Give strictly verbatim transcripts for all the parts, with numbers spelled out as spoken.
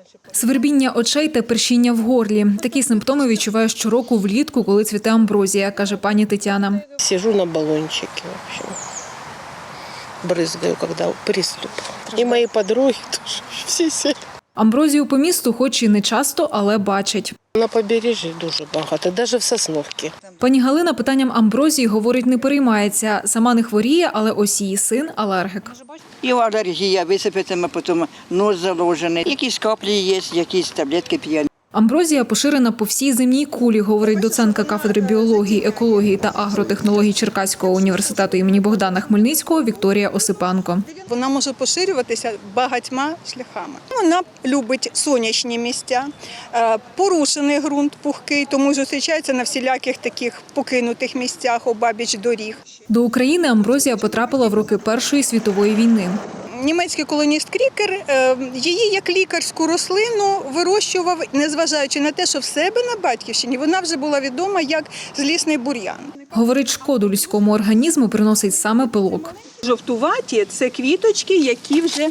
Свербіння очей та першіння в горлі. Такі симптоми відчуває щороку влітку, коли цвіте амброзія, каже пані Тетяна. Сижу на баллончике, в общем, брызгаю, когда приступ. И мои подруги тоже, всі сели. Амброзію по місту хоч і не часто, але бачать. На побережжі дуже багато, навіть в Сосновці. Пані Галина питанням амброзії, говорить, не переймається. Сама не хворіє, але ось її син – алергік. І алергія, висипатиме, потім нос заложений. Якісь каплі є, якісь таблетки п'є. Амброзія поширена по всій земній кулі, говорить доцентка кафедри біології, екології та агротехнологій Черкаського університету імені Богдана Хмельницького Вікторія Осипанко. Вона може поширюватися багатьма шляхами. Вона любить сонячні місця, порушений ґрунт пухкий, тому зустрічається на всіляких таких покинутих місцях обабіч доріг. До України амброзія потрапила в роки Першої світової війни. Німецький колоніст Крікер її як лікарську рослину вирощував, незважаючи на те, що в себе на батьківщині вона вже була відома як злісний бур'ян. Говорить, шкоду людському організму приносить саме пилок. Жовтуваті – це квіточки, які вже,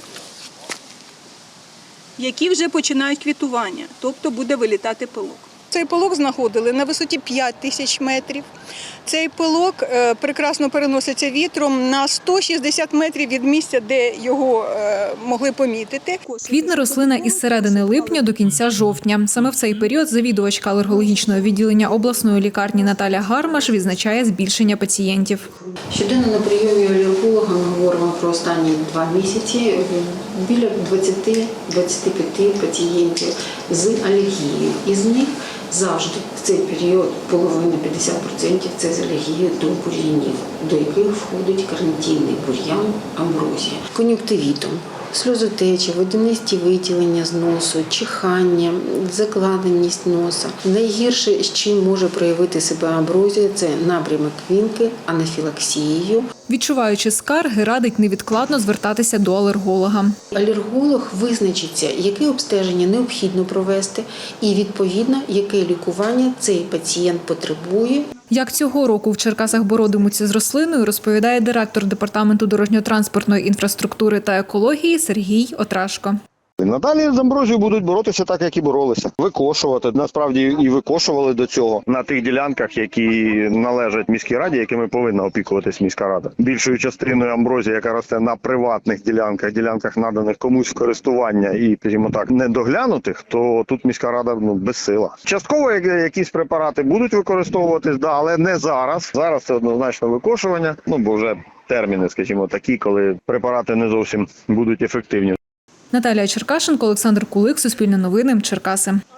які вже починають квітування, тобто буде вилітати пилок. Цей пилок знаходили на висоті п'ять тисяч метрів. Цей пилок прекрасно переноситься вітром на сто шістдесят метрів від місця, де його могли помітити. Квітне рослина із середини липня до кінця жовтня. Саме в цей період завідувачка алергологічного відділення обласної лікарні Наталя Гармаш відзначає збільшення пацієнтів. Щоденно на прийомі алерголога ми говоримо про останні два місяці. Біля двадцяти-двадцяти п'яти пацієнтів з алергією. Із них завжди в цей період половина, п'ятдесят відсотків – це з алергією до бур'янів, до яких входить карнітинний бур'ян, амброзія. Кон'юнктивітом, сльозотечі, водянисті виділення з носу, чихання, закладеність носа. Найгірше, з чим може проявити себе амброзія – це напрямок квінки, анафілаксією. Відчуваючи скарги, радить невідкладно звертатися до алерголога. Алерголог визначиться, яке обстеження необхідно провести і, відповідно, яке лікування цей пацієнт потребує. Як цього року в Черкасах боротимуться з рослиною, розповідає директор департаменту дорожньо-транспортної інфраструктури та екології Сергій Отрашко. Надалі з амброзією будуть боротися так, як і боролися. Викошувати. Насправді і викошували до цього на тих ділянках, які належать міській раді, якими повинна опікуватись міська рада. Більшою частиною амброзії, яка росте на приватних ділянках, ділянках наданих комусь в користування і, скажімо так, недоглянутих, то тут міська рада ну, безсила. Частково якісь препарати будуть використовуватись, да, але не зараз. Зараз це однозначно викошування, ну бо вже терміни, скажімо, такі, коли препарати не зовсім будуть ефективні. Наталія Черкашенко, Олександр Кулик, Суспільне новини, Черкаси.